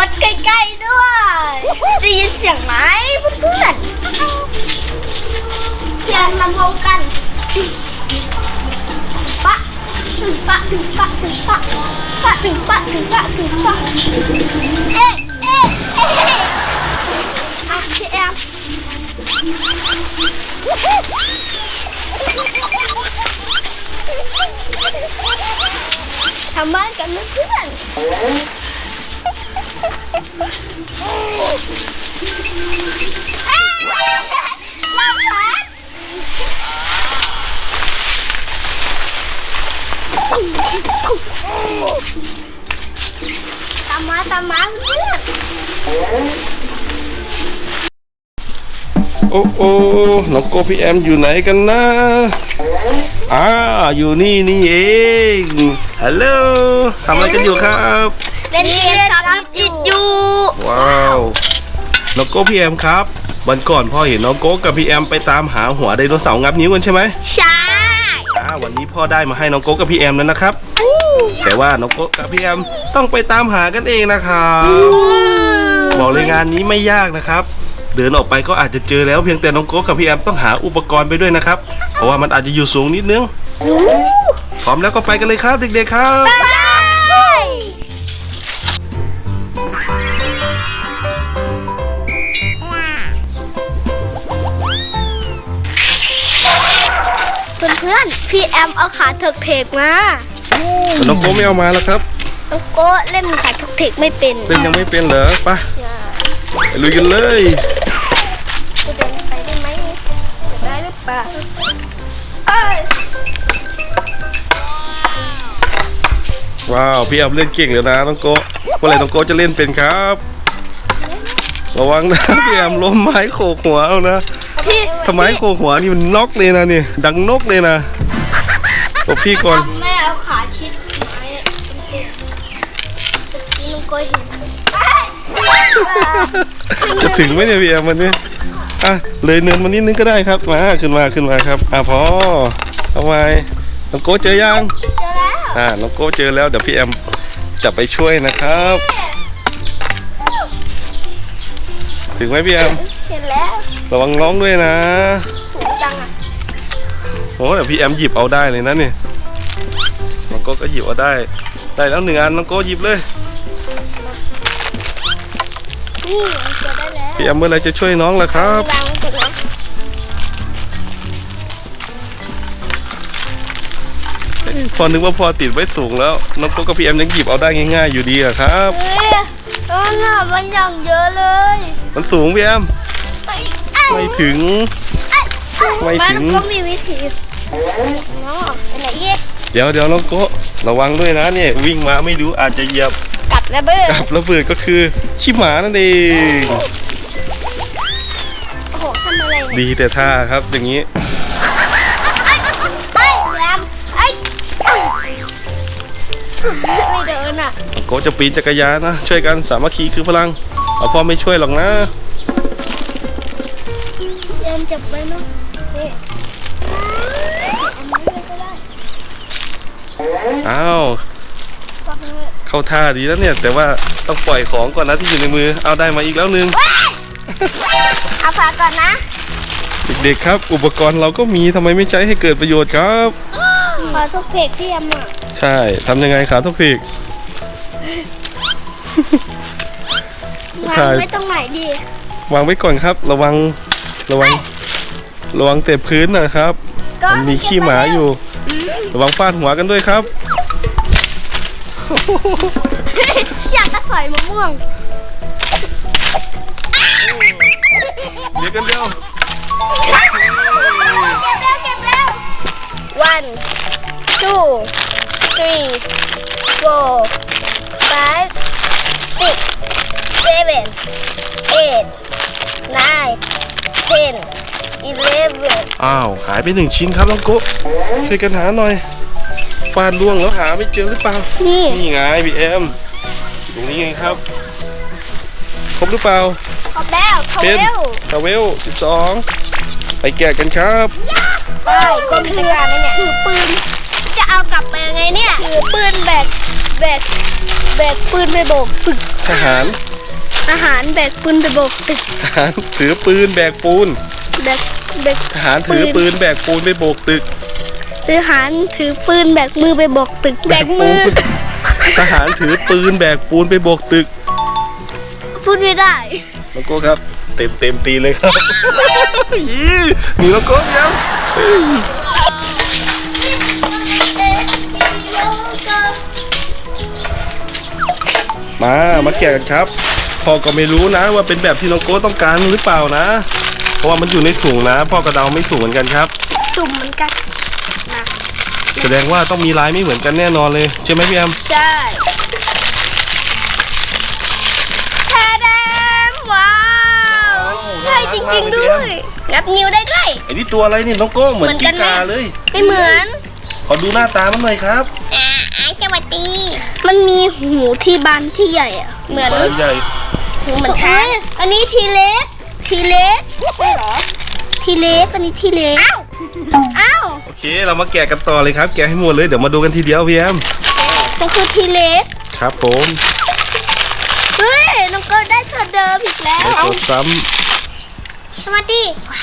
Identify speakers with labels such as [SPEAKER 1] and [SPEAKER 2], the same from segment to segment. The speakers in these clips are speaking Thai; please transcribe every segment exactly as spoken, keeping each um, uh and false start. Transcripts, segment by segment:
[SPEAKER 1] ดใกล้ๆด้วยได้ยินเสียงไหมเพื่อนเสียงลำโพงกันปะถึงปะถึงปะถึงปะปะถึงปะถึงปะถึงปะเอ๊ะเอ๊ะเอ๊ะอ่ะพี่แอมทำบ้านกันเพื่อนลำพัดตามมาตามมาเพื่อน
[SPEAKER 2] โอ้โอ้น้องโกพี่แอมอยู่ไหนกันนะอ่าอยู่นี่นี่เองฮัลโหลทำอะไรกันอยู่ครับ
[SPEAKER 1] เล่นเกมซับอิดอยู่
[SPEAKER 2] ว้าวน้องโกพี่แอมครับวันก่อนพ่อเห็นน้องโกกับพี่แอมไปตามหาหัวไดโนเสาร์งับนิ้วกันใช่ไหม
[SPEAKER 1] ใช่
[SPEAKER 2] อ่าวันนี้พ่อได้มาให้น้องโกกับพี่แอมแล้วนะครับแต่ว่าน้องโกกับพี่แอมต้องไปตามหากันเองนะครับบอกเลยงานนี้ไม่ยากนะครับเดินออกไปก็อาจจะเจอแล้วเพียงแต่น้องโก้กับพี่แอมต้องหาอุปกรณ์ไปด้วยนะครับเพราะว่ามันอาจจะอยู่สูงนิดนึงพร้อมแล้วก็ไปกันเลยครับเด็กๆครับ
[SPEAKER 1] เพื่อนๆพี่แอมเอาขาเถิกเถกมา
[SPEAKER 2] แต่น้องโก้ไม่เอามาแล้วครับ
[SPEAKER 1] น้องโก้เล่นขาเถิกเถกไม่เป็น
[SPEAKER 2] เล่นยังไม่เป็นเหรอไปไปลุยกันเลย
[SPEAKER 1] จะเดินไปได้ไหมได้หรือเปล่า
[SPEAKER 2] ว้าวพี่แอมเล่นเก่งเลยนะน้องโก้เมื่อไหร่น้องโก้จะเล่นเป็นครับระวังนะพี่แอมล้มไม้โขกหัวเอานะทำไมโขกหัวนี่มันนกเลยนะนี่ดังนกเลยนะบอกพี่ก่อน
[SPEAKER 1] แม่เอาขาชิดไม้น้องโก้เห็น
[SPEAKER 2] จะถึงไหมเนี่ยพี่แอมวันนี้อ่ะเลยเนินมานิดนึงก็ได้ครับมาขึ้นมาขึ้นมาครับอ่ะพอเอาไว้น้องโก้เจอยัง
[SPEAKER 1] เจอแล้ว
[SPEAKER 2] อ่าน้องโก้เจอแล้วเดี๋ยวพี่แอมจะไปช่วยนะครับถึงไหมพี่แอม
[SPEAKER 1] เห็นแล้ว
[SPEAKER 2] ระวังน้องด้วยนะ
[SPEAKER 1] สูงจังอ่ะ
[SPEAKER 2] โอ้เดี๋ยวพี่แอมหยิบเอาได้เลยนะนี่น้องโก้ก็หยิบเอาได้ได้แล้วหนึ่งอันน้องโก้หยิบเลยพี่แอมเมื่อไรจะช่วยน้องล่ะครับพอนึกว่าพอติดไว้สูงแล้วน้องโก้กับพี่แอมยังหยิบเอาได้ง่ายๆอยู่ดีอะครับ
[SPEAKER 1] เออน่ะมันอย่างเยอะเลย
[SPEAKER 2] มันสูงพี่แอมไม่ถึงไม่ถึง
[SPEAKER 1] ก็มีวิธีน้องอะไรเย่
[SPEAKER 2] เดี๋ยวเดี๋ยวน้องโก้ระวังด้วยนะเนี่ยวิ่งมาไม่รู้อาจจะเหยียบ
[SPEAKER 1] กับระเบิด
[SPEAKER 2] กับระเบิดก็คือขี้หมานั่นเอง
[SPEAKER 1] โอ้โหทำอะไร
[SPEAKER 2] ดีแต่ท่าครับอย่างนี้
[SPEAKER 1] ไอ้แรมไอ้ไม่เดินอ่ะ
[SPEAKER 2] โก้จะปีนจักรยานนะช่วยกันสามัคคีคือพลังเอาพ่อไม่ช่วยหรอกนะ
[SPEAKER 1] เดินจับไปเนาะ
[SPEAKER 2] อ้าวเข้าท่าดีแล้วเนี่ยแต่ว่าต้องปล่อยของก่อนนะที่อยู่ในมือเอาได้มาอีกแล้วนึง
[SPEAKER 1] เอาฝาก่อนนะ
[SPEAKER 2] เด็กๆครับอุปกรณ์เราก็มีทำไมไม่ใช้ให้เกิดประโยชน์ครับ
[SPEAKER 1] ขาทุกเพกที่แอมอ่ะ
[SPEAKER 2] ใช่ทำยังไงขาทุกเพก
[SPEAKER 1] วางไว้ตรงไหนดี
[SPEAKER 2] วางไว้ก่อนครับระวังระวังระวังเตะพื้นนะครับมันมีขี้หมาอยู่ระวังฟาดหัวกันด้วยครับ
[SPEAKER 1] อยากจะสอยมะม่วง
[SPEAKER 2] เดี๋ยวกันเดียว
[SPEAKER 1] เก็บแล้วเก็บแล้ว one two three four five six seven eight nine ten eleven
[SPEAKER 2] อ้าวหายไปหนึ่งชิ้นครับน้องโก้ช่วยกันหาหน่อยฟาดล่วงแล้วหาไม่เจอหรือเปล่านี่นี่ไงพี่แอมตรงนี้ไงครับครบหรือเปล่า
[SPEAKER 1] ครบแล้ว
[SPEAKER 2] เป็นทาวเวลสิบสองไปแกะกันครับ
[SPEAKER 1] ไปก้มจักรยานเนี่ยถือปืนจะเอากลับไปยังไงเนี่ยถือปืนแบกแบกแบกปืนไปโบกฝึก
[SPEAKER 2] ทหาร
[SPEAKER 1] อาหารแบกปืนไปโบกตึก
[SPEAKER 2] ทหารถือปืนแบกปูน
[SPEAKER 1] แบกแบก
[SPEAKER 2] ทหารถือปืนแบกปูนไปโบกตึก
[SPEAKER 1] ทหารถือปืนแบกมือไปโบกตึก
[SPEAKER 2] แบกปูนทหารถือปืนแบกปูนไปโบกตึก
[SPEAKER 1] พูดไม่ได้
[SPEAKER 2] น้องโก้ครับ เต็มเต็มตีเลยครับ ยี่หนีน้องโก้ยัง มา มาแกะกันครับ พ่อก็ไม่รู้นะว่าเป็นแบบที่น้องโก้ต้องการหรือเปล่านะ เพราะว่ามันอยู่ในถุงนะ พ่อก็เดาไม่ถูกเหมือนกันครับ
[SPEAKER 1] สุ่มเหมือนกันนะ
[SPEAKER 2] แสดงว่าต้องมีลายไม่เหมือนกันแน่นอนเลยใช่ไหมพี่แอม
[SPEAKER 1] ใช่แทดมว้าวใช่จริงๆด้วยงับนิ้วได้ด้วย
[SPEAKER 2] ไอ้นี่ตัวอะไรนี่น้องโก้เหมือน
[SPEAKER 1] เหมือนกั
[SPEAKER 2] กิ้
[SPEAKER 1] น
[SPEAKER 2] ง
[SPEAKER 1] ไหม
[SPEAKER 2] ก่าเลย
[SPEAKER 1] ไม่เหมือน
[SPEAKER 2] ขอดูหน้าตามันหน่อยครับ
[SPEAKER 1] อ่าสวัสดีมันมีหูที่บานที่ใหญ่อะเหมือน
[SPEAKER 2] ปลาใหญ่
[SPEAKER 1] หูเหมือนช้างอันนี้ทีเล็กทีเล็กใช่เหรอทีเล็กอันนี้ทีเล็กอ้าวอ้าว
[SPEAKER 2] โอเค เรามาแกะกันต่อเลยครับ แกะให้หมดเลย เดี๋ยวมาดูกันทีเดียวพี่แอม
[SPEAKER 1] มันคือทีเล็ก
[SPEAKER 2] ครับผม
[SPEAKER 1] เฮ้ยน้องเกิร์ลได้ตัวเดิมอีกแล้ว
[SPEAKER 2] ได้ตัวซ้
[SPEAKER 1] สวัสดี
[SPEAKER 2] ำ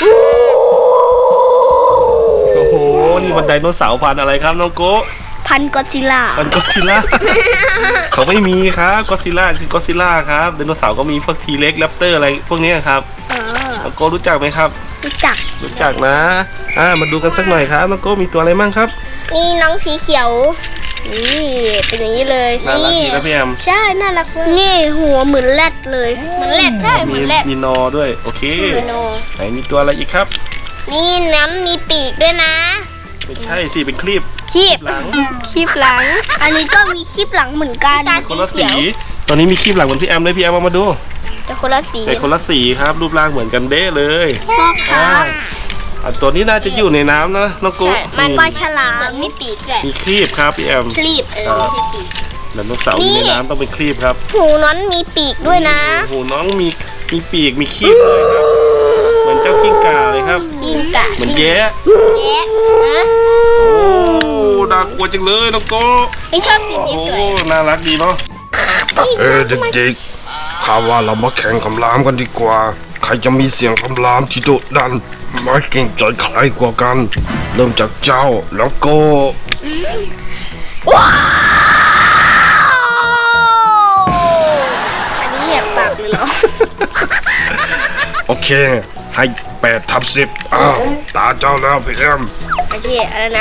[SPEAKER 2] โอ้โห นี่มันไดโนเสาร์พันธุ์อะไรครับน้องโก้
[SPEAKER 1] พันกอดซิลล่า
[SPEAKER 2] มันก็อดซิลล่า เขาไม่มีครับก็อดซิลล่าคือกอดซิลล่าครับไดโนเสาร์ก็มีพวกทีเล็กแรปเตอร์อะไรพวกนี้ครับ
[SPEAKER 1] อ๋อ
[SPEAKER 2] น้องโก้รู้จักไหมครับ
[SPEAKER 1] รู้จัก
[SPEAKER 2] รู้จักนะ อ่า มาดูกันสักหน่อยครับน้องโก้มีตัวอะไรมั่งครับ
[SPEAKER 1] นี่น้องสีเขียวนี่เป็นอย่างนี้เลย
[SPEAKER 2] น่ารัก
[SPEAKER 1] นี่
[SPEAKER 2] ดีนะพี่แอม
[SPEAKER 1] ใช่น่ารักเลยนี่หัวเหมือนแรดเลยเหมือนแรดใช่เหมื
[SPEAKER 2] มี
[SPEAKER 1] อนแรด
[SPEAKER 2] มีนอด้วย โอเค
[SPEAKER 1] เหมือนโน
[SPEAKER 2] ไหนมีตัวอะไรอีกครับ
[SPEAKER 1] นี่น้ำมีปีกด้วยนะ
[SPEAKER 2] ไม่ใช่สิเป็นคลิป
[SPEAKER 1] คีบ
[SPEAKER 2] หลัง
[SPEAKER 1] คีบหลัง อันนี้ก็มีคีบหลังเหมือนกัน
[SPEAKER 2] คนละสี ตอนนี้มีคลิปหลังเหมือนพี่แอมเลยพี่แอมเอามาดู
[SPEAKER 1] แต่คนละสี
[SPEAKER 2] แต่คนละสีครับ รูปร่างเหมือนกันเด้เลย
[SPEAKER 1] พ่อค้า
[SPEAKER 2] อ่าอ่ะตัวนี้น่าจะอยู่ในน้ำนะน้องกุ๊ก
[SPEAKER 1] มันปลาฉลามมีปีกด้วย
[SPEAKER 2] มีครีบครับพี่แอม
[SPEAKER 1] คลีบเออไม่ใช่ปีก
[SPEAKER 2] ไดโนเสาร์อยู่ในน้ำต้องเป็นครีบครับ
[SPEAKER 1] หูน้อนมีปีกด้วยนะ
[SPEAKER 2] โอ้โหน้องมีมีปีกมีครีบเลยครับ เหมือนเจ้ากิ้งก่าเลยครับ
[SPEAKER 1] กิ้งก่า
[SPEAKER 2] เหมือนแย้
[SPEAKER 1] แย้นะ
[SPEAKER 2] โอ้น่ากลัวจังเลยน้องกุ๊ก
[SPEAKER 1] ไม่ชอบสีนี้
[SPEAKER 2] โอ้
[SPEAKER 1] สวย
[SPEAKER 2] น่ารักดีเนาะ
[SPEAKER 3] เออเด็กๆข้าว่าเรามาแข่งคำรามกันดีกว่า ใครจะมีเสียงคำรามที่โดดดันไม่เก่งใจใครกว่ากัน เริ่มจากเจ้าแล้วก็
[SPEAKER 1] อันนี้แหกปากเลยเหรอ
[SPEAKER 3] โอเค ให้แปดทับสิบอ้าวตาเจ้าแล้วพี่แอม
[SPEAKER 1] โอเคอะไรนะ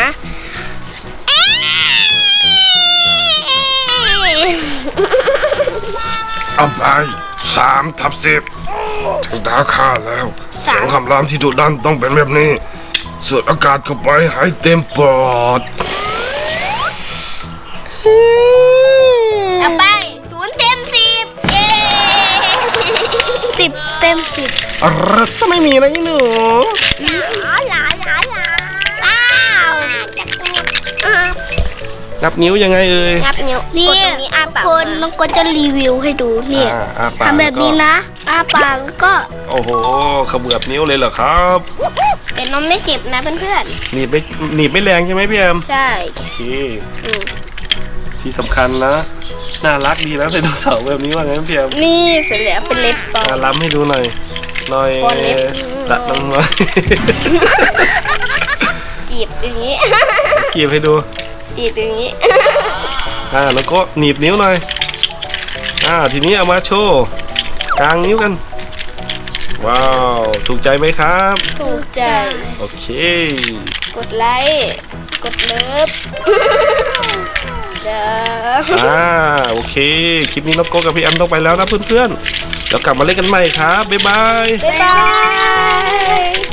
[SPEAKER 3] เอาไปสามทับสิบถึงตาข้าแล้ว เสียงคำรามที่โดดดันต้องเป็นแบบนี้สูดอากาศเข้าไปให้เต็มปอด
[SPEAKER 1] เอาไปศูนย์เต็มสิบเย้สิบเต็มสิบ
[SPEAKER 2] อะไรจะไม่มีนะยี่หนู
[SPEAKER 1] หลาหลาหลาหลาว้าวจับตัวอ่า
[SPEAKER 2] นับนิ้วยังไงเอ่ย
[SPEAKER 1] งับนิ้วนี่คนน้องก็จะรีวิวให้ดูนี่
[SPEAKER 2] อ่าอ่าปาก
[SPEAKER 1] ทำแบบนี้นะอ้าปากแล้วก็
[SPEAKER 2] โอ้โหขมือบนิ้วเลยเหรอครับ
[SPEAKER 1] แต่น้องไม่เจ็บนะเพื่อน
[SPEAKER 2] หนีบไม่หนีบไม่แรงใช่ไหมพี่แอม
[SPEAKER 1] ๆใช่
[SPEAKER 2] โอเค
[SPEAKER 1] อืม
[SPEAKER 2] ที่สำคัญนะ น่ารักดีนะไดโนเสาร์แบบนี้ว่าไงพี่แอม
[SPEAKER 1] นี่เสร็จแล้วเป็นเล็บปลอ
[SPEAKER 2] อ่าม ล้ำให้ดูหน่อยหน่อย
[SPEAKER 1] ฟอนเล็บ
[SPEAKER 2] ตัดลงมา
[SPEAKER 1] จีบอย่างนี้
[SPEAKER 2] เกีบให้ดู
[SPEAKER 1] จีบอย่างนี้
[SPEAKER 2] อ่าแล้วก็หนีบนิ้วหน่อยอ่าทีนี้เอามาโชว์กลางนิ้วกัน ว้าวถูกใจไหมครับ
[SPEAKER 1] ถูกใจ
[SPEAKER 2] โอเค
[SPEAKER 1] กดไลค์กดเลิฟเด้อ
[SPEAKER 2] อ่าโอเคคลิปนี้น้องโก้กับพี่แอมต้องไปแล้วนะเพื่อนๆแล้วกลับมาเล่นกันใหม่ครับบ๊ายบาย
[SPEAKER 1] บ๊ายบาย